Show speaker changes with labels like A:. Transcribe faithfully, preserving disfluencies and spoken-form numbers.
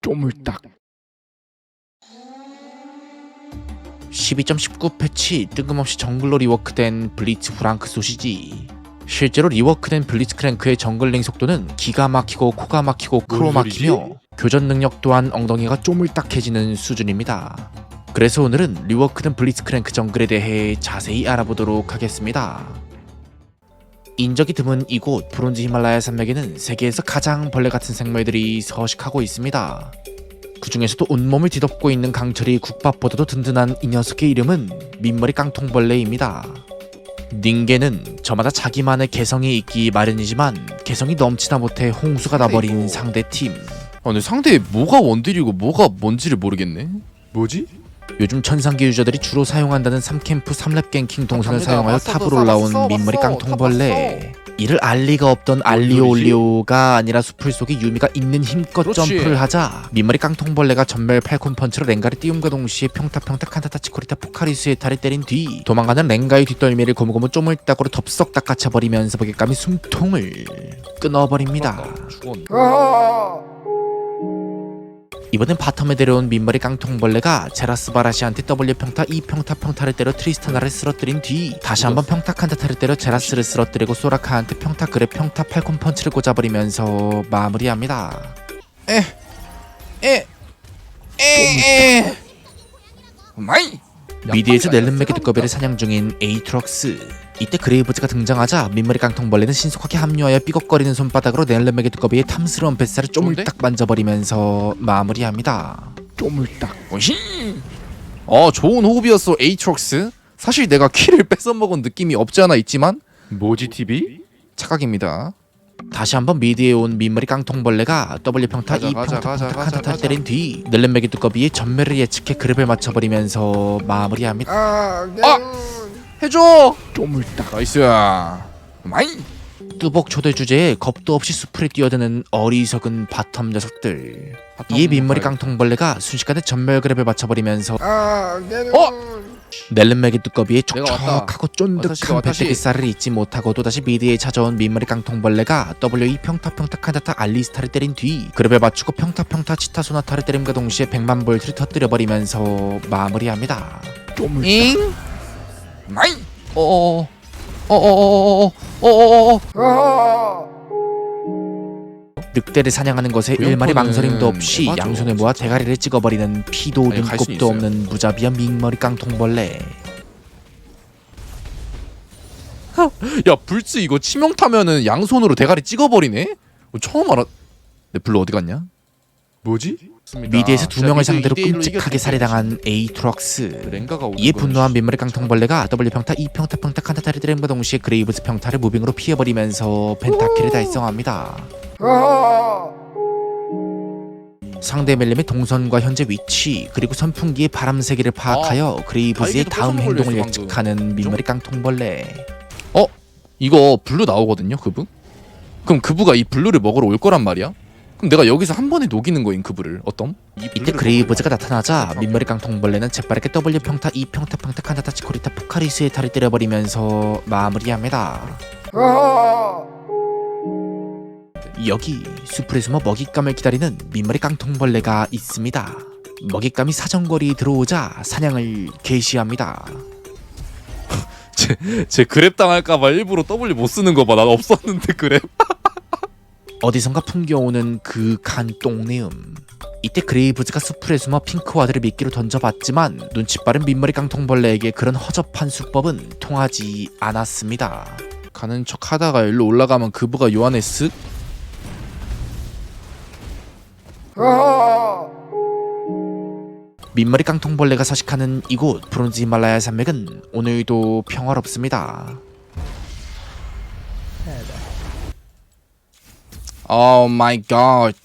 A: 쪼물딱.
B: 십이 점 십구 패치 뜬금없이 정글로 리워크된 블리츠 프랑크 소시지. 실제로 리워크된 블리츠 크랭크의 정글링 속도는 기가 막히고 코가 막히고 크로 막히며 교전 능력 또한 엉덩이가 쪼물딱해지는 수준입니다. 그래서 오늘은 리워크된 블리츠 크랭크 정글에 대해 자세히 알아보도록 하겠습니다. 인적이 드문 이곳 브론즈 히말라야 산맥에는 세계에서 가장 벌레 같은 생물들이 서식하고 있습니다. 그 중에서도 온몸을 뒤덮고 있는 강철이 국밥보다도 든든한 이 녀석의 이름은 민머리 깡통벌레입니다. 닌게는 저마다 자기만의 개성이 있기 마련이지만 개성이 넘치다 못해 홍수가 나버린 상대팀.
A: 아 근데 상대에 뭐가 원딜이고 뭐가 뭔지를 모르겠네. 뭐지?
B: 요즘 천상계 유저들이 주로 사용한다는 삼 캠프 삼 렙 갱킹 동선을 사용하여 탑으로 올라온 민머리 깡통벌레. 이를 알리가 없던 알리오 올리오가 아니라 수풀 속에 유미가 있는 힘껏
A: 그렇지.
B: 점프를 하자 민머리 깡통벌레가 전멸 팔콘 펀치로 렌가를 띄움과 동시에 평타 평타 칸타타 치코리타 포카리스의 탈을 때린 뒤 도망가는 렌가의 뒷덜미를 고무고무 쪼물딱으로 덥석 닦아쳐버리면서 버깃감이 숨통을 끊어버립니다.
A: 죽었네.
B: 이번엔 바텀에 데려온 민머리 깡통벌레가 제라스 바라시한테 W 평타 이 평타 평타를 때려 트리스타나를 쓰러뜨린 뒤 다시 한번 평타 칸타타를 때려 제라스를 쓰러뜨리고 소라카한테 평타 그래 평타 팔콘 펀치를 꽂아버리면서 마무리합니다.
A: 에, 에, 에. 마이.
B: 미드에서 넬름맥의 두꺼비를 사냥 중인 에이트럭스. 이때 그레이브즈가 등장하자 민머리 깡통벌레는 신속하게 합류하여 삐걱거리는 손바닥으로 넬름맥의 두꺼비의 탐스러운 뱃살을 쪼물딱 만져버리면서 마무리합니다.
A: 쪼물딱. 오히. 어 좋은 호흡이었어 에이트록스. 사실 내가 키를 뺏어 먹은 느낌이 없지 않아 있지만 뭐지 티비? 착각입니다.
B: 다시 한번 미드에 온 민머리 깡통벌레가 W 평타
A: 가자,
B: 이
A: 가자,
B: 평타
A: 가자,
B: 평타
A: 가자,
B: 칸타타
A: 가자.
B: 때린 뒤 넬름맥의 두꺼비의 전멸을 예측해 그립을 맞춰버리면서 마무리합니다.
A: 아 해줘. 쪼물딱. 나이스야. 마이.
B: 뚜벅 초대 주제에 겁도 없이 수풀에 뛰어드는 어리석은 바텀 녀석들. 이에 민머리 깡통벌레가 순식간에 전멸 그랩을 맞춰버리면서
A: 어?
B: 넬름맥의 두꺼비의
A: 내가 왔다.
B: 촉촉하고 쫀득한
A: 와타시,
B: 배때기살을 잊지 못하고 또다시 미드에 찾아온 민머리 깡통벌레가 W 이 평타 평타 칸타타 알리스타를 때린 뒤 그랩을 맞추고 평타 평타 치타 소나타를 때림과 동시에 백만 볼트를 터뜨려버리면서 마무리합니다.
A: 잉? 마이. 어어어. 어어어어어. 어어어어.
B: 늑대를 사냥하는 것에
A: 그
B: 일말의
A: 형편은
B: 망설임도 없이
A: 맞아.
B: 양손에 모아 대가리를 찍어버리는 피도
A: 아니, 갈수
B: 눈곱도
A: 있어요.
B: 없는 무자비한 민머리 깡통벌레.
A: 야 불츠 이거 치명타면은 양손으로 대가리 찍어버리네? 어, 처음 알았. 내 블루 어디 갔냐? 뭐지?
B: 미드에서 두 명을 상대로 끔찍하게 살해당한 에이트럭스.
A: 렌가가 오는
B: 이에
A: 건
B: 분노한 민머리 깡통벌레가 W 평타 이 평타 평타 칸타타를 때림과 동시에 그레이브즈 평타를 무빙으로 피해버리면서 펜타킬을 달성합니다. 상대 멜렘의 동선과 현재 위치 그리고 선풍기의 바람 세기를 파악하여 그레이브즈의
A: 다이기도
B: 다음
A: 뺏어
B: 행동을
A: 먹으려 했어,
B: 예측하는 민머리 깡통벌레.
A: 어? 이거 블루 나오거든요 그부? 그럼 그부가 이 블루를 먹으러 올 거란 말이야? 그럼 내가 여기서 한 번에 녹이는 거인 그부를 어떤?
B: 이때 그레이브즈가 나타나자 민머리 깡통벌레는 재빠르게 W 평타 이 평타 평타 칸타타 치코리타 포카리스의 탈을 때려버리면서 마무리합니다. 여기 숲에 숨어 먹잇감을 기다리는 민머리 깡통벌레가 있습니다. 먹잇감이 사정거리에 들어오자 사냥을 개시합니다.
A: 제, 제 그랩 당할까봐 일부러 W 못 쓰는 거 봐. 난 없었는데 그랩.
B: 어디선가 풍겨오는 그 간 똥내음. 이때 그레이브즈가 수풀에 숨어 핑크와드를 미끼로 던져봤지만 눈치 빠른 민머리 깡통벌레에게 그런 허접한 수법은 통하지 않았습니다.
A: 가는 척 하다가 일로 올라가면 그부가 요 안에 쓱.
B: 민머리 깡통벌레가 서식하는 이곳 브론즈 히말라야 산맥은 오늘도 평화롭습니다.
A: 오 마이 갓.